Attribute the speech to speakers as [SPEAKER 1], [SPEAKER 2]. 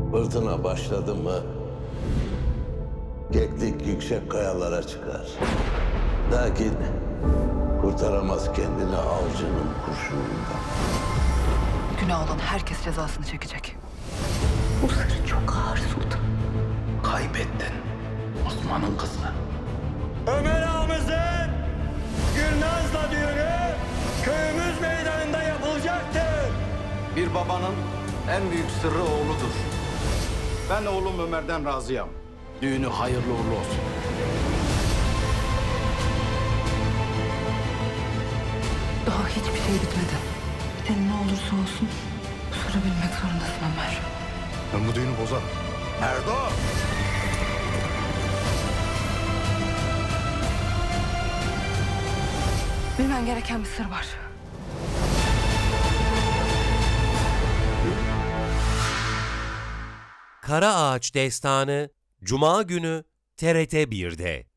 [SPEAKER 1] Fırtına başladı mı keklik yüksek kayalara çıkar. Lakin kurtaramaz kendini avcının kurşunundan.
[SPEAKER 2] Günah olan herkes cezasını çekecek.
[SPEAKER 3] Bu sır çok ağır sultan.
[SPEAKER 1] Kaybettin Osman'ın kızını.
[SPEAKER 4] Ömer ağamızın Gülnaz'la düğünü köyümüz meydanında yapılacaktır.
[SPEAKER 5] Bir babanın en büyük sırrı oğludur. Ben oğlum Ömer'den razıyım. Düğünü hayırlı uğurlu olsun.
[SPEAKER 2] Daha hiçbir şey bitmedi. Senin ne olursa olsun bu sırrı bilmek zorundasın Ömer.
[SPEAKER 6] Ben bu düğünü bozarım.
[SPEAKER 5] Erdo!
[SPEAKER 2] Bilmen gereken bir sır var.
[SPEAKER 7] Kara Ağaç Destanı Cuma günü TRT 1'de.